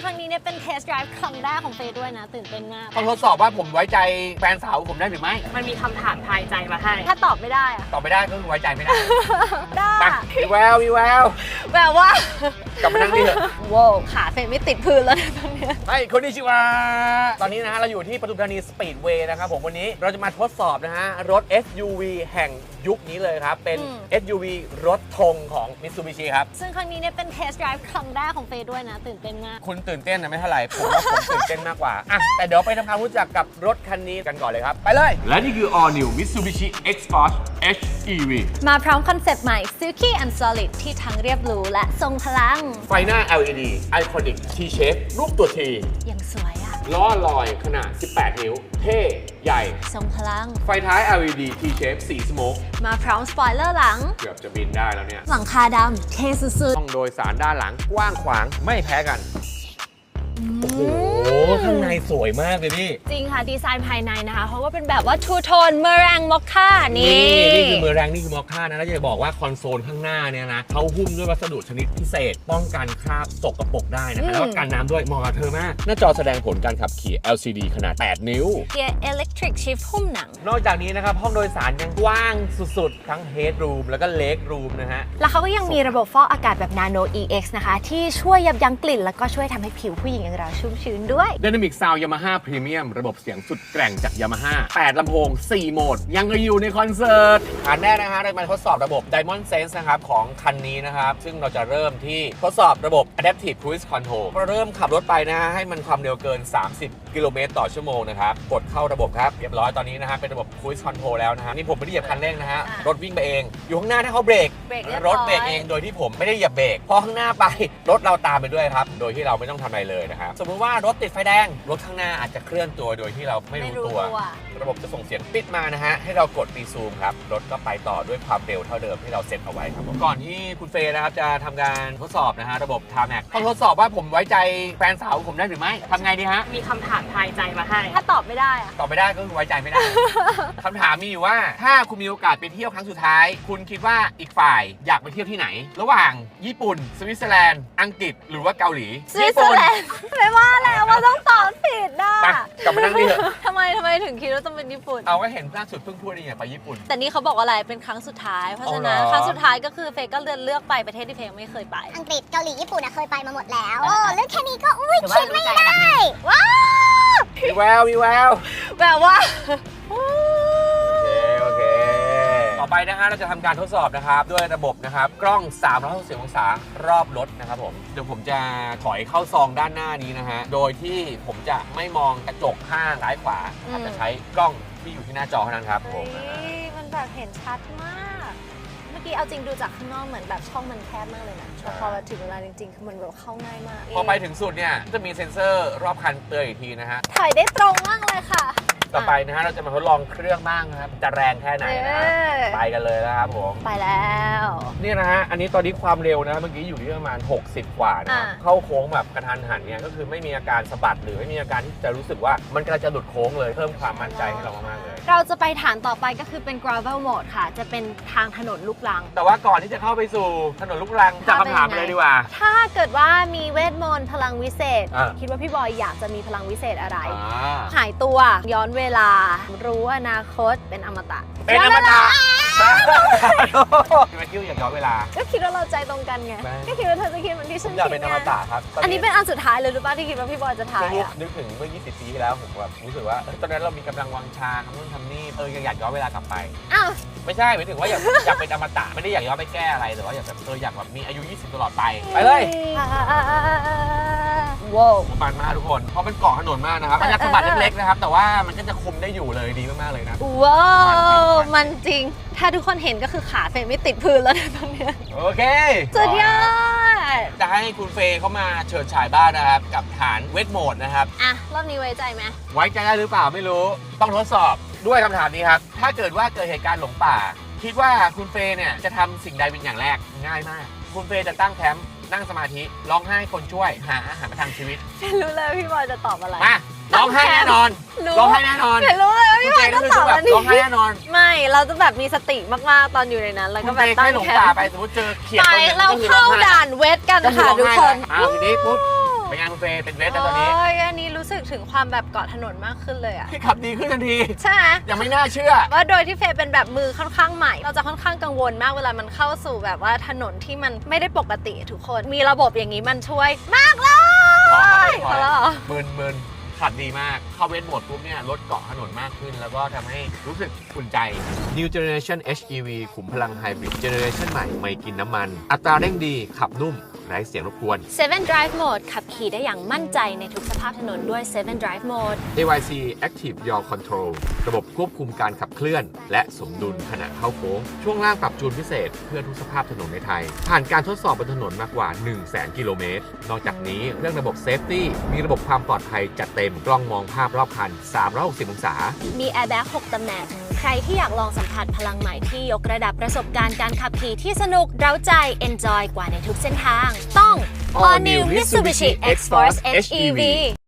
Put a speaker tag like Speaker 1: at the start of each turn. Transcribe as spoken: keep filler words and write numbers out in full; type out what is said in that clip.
Speaker 1: ครั้งนี้เนี่ยเป็นเทสต์ไดรฟ์ครั้งแรกของเฟย์ด้วยนะตื่นเต้นมาก
Speaker 2: ต้องทดสอบว่าผมไว้ใจแฟนสาวผมได้หรือไม่
Speaker 3: มันมีคำถามทายใจมาให้
Speaker 1: ถ้าตอบไม่ได้อะ
Speaker 2: ตอบไม่ได้ก็คือไว้ใจไม่ได้
Speaker 1: ได้
Speaker 2: มีแววมีแวว
Speaker 1: แบบว่าก
Speaker 2: ลับมานั่งนี่เถอะ
Speaker 1: ว้าวขาเฟย์ไม่ติดพื้นแล้วตอนนี้
Speaker 2: ไอ้คนนี้ชื่อว่าตอนนี้นะฮะเราอยู่ที่ปทุมธานีสปีดเวย์นะครับผมวันนี้เราจะมาทดสอบนะฮะรถ เอส ยู วี แห่งยุคนี้เลยครับเป็น เอส ยู วี รถธงของ Mitsubishi ครับ
Speaker 1: ซึ่งครั้งนี้เนี่ยเป็นเทสต์ไดรฟ์ครั้งแรกของเฟย์ด้วยนะตื่นเต้นมาก
Speaker 2: คุณตื่นเต้นนะไม่เท่าไหร่ผมว่าผมตื่นเต้นมากกว่าอ่ะแต่เดี๋ยวไปทำความรู้จักกับรถคันนี้กันก่อนเลยครับไปเลยและนี่คือ All New Mitsubishi X-Force เอช อี วี
Speaker 1: มาพร้อมคอนเซปต์ใหม่ Silky and Solid ที่ทั้งเรียบหรูและทรงพลัง
Speaker 2: ไฟหน้า แอล อี ดี Iconic T-Shape รูปตัว T
Speaker 1: ยังสวยอะ
Speaker 2: ล้อลอยขนาดสิบแปดนิ้วเท่ใหญ่
Speaker 1: ทรงพลัง
Speaker 2: ไฟท้าย แอล อี ดี T-Shape สีสโมก
Speaker 1: มาพร้อมสปอยเลอร์หลัง
Speaker 2: เกือบจะบินได้แล้วเนี่ย
Speaker 1: หลังคาดำเท่สุด
Speaker 2: ๆห้องโดยสารด้านหลังกว้างขวางไม่แพ้กันโอ้โหข้างในสวยมากเลยพี่
Speaker 1: จริงค่ะดีไซน์ภายในนะคะเขาก็เป็นแบบว่าทูโทนเมอแรงมอคค่านี่
Speaker 2: นี่คือเมอแรงนี่คือมอคค่านะแล้วจะบอกว่าคอนโซลข้างหน้าเนี่ยนะเขาหุ้มด้วยวัสดุชนิดพิเศษป้องกันคราบสกปรกได้นะคะแล้วก็กันน้ำด้วยเหมาะกับเธอมากหน้าจอแสดงผลการขับขี่ แอล ซี ดี ขนาดแปดนิ้ว
Speaker 1: เกียร์ Electric Shift หุ้มหนัง
Speaker 2: นอกจากนี้นะครับห้องโดยสารยังกว้างสุดๆทั้ง Headroom แล้วก็ Legroom นะฮะ
Speaker 1: แล้วเขาก็ยังมีระบบฟอกอากาศแบบ Nano อี เอ็กซ์ นะคะที่ช่วยยับยั้งกลิ่นแล้วก็ช่วยทำให้ผิวผู้หญิงอย่างเราชุ่มชื้นด้วย
Speaker 2: Dynamic Sound Yamaha Premium ระบบเสียงสุดแกร่งจาก Yamaha แปดลำโพงสี่โหมดยังอยู่ในคอนเสิร์ตอันแรกนะฮะเรามาทดสอบระบบ Diamond Sense นะครับของคันนี้นะครับซึ่งเราจะเริ่มที่ทดสอบระบบ Adaptive Cruise Control พอเริ่มขับรถไปนะฮะให้มันความเร็วเกินสามสิบกิโลเมตรต่อชั่วโมงนะครับกดเข้าระบบครับเรียบร้อยตอนนี้นะฮะเป็นระบบ Cruise Control แล้วนะฮะนี่ผมไม่ได้เหยียบคันเร่งนะฮะรถวิ่งไปเองอยู่ข้างหน้าถ้าเขาเบรกรถเบรกเองโดยที่ผมไม่ได้เหยียบเบรกพอข้างหน้าไปรถเราตามไปด้วยครับโดยที่เราไม่ต้องทำอะไรเลยนะครับสมมุติว่ารถติดไฟแดงรถข้างหน้าอาจจะเคลื่อนตัวโดยที่เราไม่รู้ตัวระบบจะส่งเสียงปิดมานะฮะให้เรากดรีซูมครับรถก็ไปต่อด้วยความเร็วเท่าเดิมที่เราเซ็ตเอาไว้ครับก่อนที่คุณเฟย์นะครับจะทำการทดสอบนะฮะระบบ Tarmac ต้องทดสอบว่าผมไว้ใจแฟนสาวผมได้หรือไม่ทำไงดีฮะ
Speaker 3: มีคำถามทายใจมาให้
Speaker 1: ถ้าตอบไม่ได้อะ
Speaker 2: ตอบไม่ได้ก็คือไว้ใจไม่ได้ คำถามมีอยู่ว่าถ้าคุณมีโอกาสไปเที่ยวครั้งสุดท้ายคุณคิดว่าอีกฝ่ายอยากไปเที่ยวที่ไหนระหว่างญี่ปุ่นสวิตเซอร์แลนด์อังกฤษหรือว่าเกาหลี
Speaker 1: สวิตเซอร์แลนด์ไม่ว่าแล้วว่าต้องตอบผิดนะ
Speaker 2: กลับมานั่งนี่เถอะ
Speaker 1: ทำไมทำไมถึงคิดว่าต้องเป็นญี่ปุ่น
Speaker 2: เอาก็เห็นล่าสุดเพิ่งพูดเองไปญี่ปุ่น
Speaker 1: แต่นี่เขาบอกว่าอะไรเป็นครั้งสุดท้ายเพราะฉะนั้นครั้งสุดท้ายก็คือเฟย์ก็เลือกเลือกไปประเทศที่เฟย์ไม่เคยไป
Speaker 4: อังกฤษเกาหลีญี่ปุ่นเคยไปมาหมดแล้วโอ้เลือกแค่นี้ก็อุ้ยคิดไม่ได้ว้าว
Speaker 2: มีแววมีแวว
Speaker 1: แบบว่า
Speaker 2: โอเคโอเคต่อไปนะฮะเราจะทำการทดสอบนะครับด้วยระบบนะครับกล้องสามร้อยหกสิบองศารอบรถนะครับผมเดี๋ยวผมจะถอยเข้าซองด้านหน้านี้นะฮะโดยที่ผมจะไม่มองกระจกข้างซ้ายขวาอาจจะใช้กล้องที่อยู่ที่หน้าจอเท่านั้นครับผม
Speaker 1: มันแบบเห็นชัดมากเมื่อกี้เอาจริงดูจากข้างนอกเหมือนแบบช่องมันแคบมากเลยนะแต่พอถึงเวลาจริงๆคือมันแบบเข้าง่ายมาก
Speaker 2: พอไปถึงสุดเนี่ยจะมีเซ็นเซอร์รอบคันเตือนอีกทีนะฮะ
Speaker 1: ถ่ายได้ตรงมากเลยค่ะ
Speaker 2: ต่อไปนะฮะเราจะมาทดลองเครื่องบ้างนะครับจะแรงแค่ไหนนะไปกันเลยนะครับผม
Speaker 1: ไปแล้ว
Speaker 2: นี่นะฮะอันนี้ตอนนี้ความเร็วนะเมื่อกี้อยู่ที่ประมาณหกสิบกว่านะเข้าโค้งแบบกระทันหันเนี่ยก็คือไม่มีอาการสะบัดหรือไม่มีอาการที่จะรู้สึกว่ามันกำลังจะหลุดโค้งเลยเพิ่มความมั่นใจให้เรามากๆเลย
Speaker 1: เราจะไปฐานต่อไปก็คือเป็น gravel mode ค่ะจะเป็นทางถนนลูกรัง
Speaker 2: แต่ว่าก่อนที่จะเข้าไปสู่ถนนลูกรังจะคำถามเลยดีกว่า
Speaker 1: ถ้าเกิดว่ามีเวทมนต์พลังวิเศษคิดว่าพี่บอยอยากจะมีพลังวิเศษอะไรหายตัวย้อนเวลารู้อนาคตเป็นอมตะ
Speaker 2: เป็นอมตะพี่แมทธิวอยากย้อนเวลา
Speaker 1: ก็คิดว่าเราใจตรงกันไงก็คิดว่าเธอจะคิดเหมือนที่ฉันคิด
Speaker 2: อยากเป็นอมตะครับ
Speaker 1: อันนี้เป็นอันสุดท้ายเลยหรือเปล่าที่คิดว่าพี่บอยจะถ่าย
Speaker 2: อ่ะนึกถึงเมื่อยี่สิบปีที่แล้วผมแบบรู้สึกว่าตอนนั้นเรามีกำลังวังชาทำนู่นทำนี่เออยังอยากย้อนเวลากลับไป
Speaker 1: อ้าว
Speaker 2: ไม่ใช่หมายถึงว่าอยากอยากเป็นอมตะไม่ได้อยากย้อนไปแก้อะไรแต่ว่าอยากแบบเอออยากแบบมีอายุยี่สิบตลอดไปไปเลย
Speaker 1: ว้าว
Speaker 2: มันมากทุกคนเพราะมันเกาะถนนมากนะครับมันจะสะบัดเล็กๆนะครับแต่ว่ามันก็จะคุมได้อยู่เลยดีมากๆเลยนะ
Speaker 1: ว้าวมันจริงถ้าทุกคนเห็นก็คือขาเฟย์ไม่ติดพื้นแล้วตอนนี้
Speaker 2: โอเค
Speaker 1: สุดยอด
Speaker 2: จะให้คุณเฟย์เข้ามาเฉิดฉายบ้านนะครับกับฐานเวทโหมดนะครับ
Speaker 1: อ่ะรอบนี้ไว้ใจไหม
Speaker 2: ไว้ใจได้หรือเปล่าไม่รู้ต้องทดสอบด้วยคำถามนี้ครับถ้าเกิดว่าเกิดเหตุการณ์หลงป่าคิดว่าคุณเฟย์เนี่ยจะทำสิ่งใดเป็นอย่างแรกง่ายมากคุณเฟย์จะตั้งแคมป์นั่งสมาธิร้องไห้คนช่วยหาอาหารประทังชีวิต
Speaker 1: รู้เลยพี่บอยจะตอบอะไร
Speaker 2: มาร้องไห้แน่นอนร้องไห้แน่นอน
Speaker 1: รู้เลยพี่บอยจะตอบอะไร
Speaker 2: ร้องไห้แน่นอน
Speaker 1: ไม่เราจะแบบมีสติมากๆตอนอยู่ในนั้นแล้วก็แบบ
Speaker 2: ตั้งแคมป์ไปสมมติเจอเขียดตัวนึง
Speaker 1: เราเข้าด่านเวทกันค่ะทุกคน
Speaker 2: อ้าวทีนี้ปุ๊บเป็นไงคุณเฟย์เป็นเวสแล้วตอนนี้
Speaker 1: โอ้ยอันนี้รู้สึกถึงความแบบเกาะถนนมากขึ้นเลยอะ
Speaker 2: ที่ขับดีขึ้นทันที
Speaker 1: ใช่ไหม
Speaker 2: ยังไม่น่าเชื่อ
Speaker 1: ว่าโดยที่เฟย์เป็นแบบมือค่อนข้างใหม่ เราจะค่อนข้างกังวลมากเวลามันเข้าสู่แบบว่าถนนที่มันไม่ได้ปกติทุกคน มีระบบอย่างนี้มันช่วยมากเลย
Speaker 2: พอ
Speaker 1: พอ
Speaker 2: แล้
Speaker 1: แล้ว วเหรอ
Speaker 2: มึนมึนขับดีมาก เข้าเวทโหมดปุ๊บเนี่ยรถเกาะถนนมากขึ้น แล้วก็ทำให้รู้สึกอุ่นใจ New Generation เอช อี วี ขุมพลังไฮบริด Generation ใหม่ไม่กินน้ำมัน อัตราเร่งดี ขับนุ่ม ไร้เสียงรบกวน
Speaker 1: เซเว่น Drive Mode ขับขี่ได้อย่างมั่นใจในทุกสภาพถนนด้วย เซเว่น Drive Mode
Speaker 2: เอ วาย ซี Active Yaw Control ระบบควบคุมการขับเคลื่อน และสมดุลขณะเข้าโค้ง ช่วงล่างปรับจูนพิเศษเพื่อทุกสภาพถนนในไทย ผ่านการทดสอบบนถนนมากกว่า หนึ่งแสน กิโลเมตร นอกจากนี้เรื่องระบบ Safety มีระบบความปลอดภัยจัดเต็มกล้องมองภาพรอบคัน สามร้อยหกสิบ องศา
Speaker 1: มี Airbag หกตำแหน่ง ใครที่อยากลองสัมผัสพลังใหม่ที่ยกระดับประสบการณ์การขับขี่ที่สนุกเร้าใจ Enjoy กว่าในทุกเส้นทาง ต้อง All New Mitsubishi X-Force เอช อี วี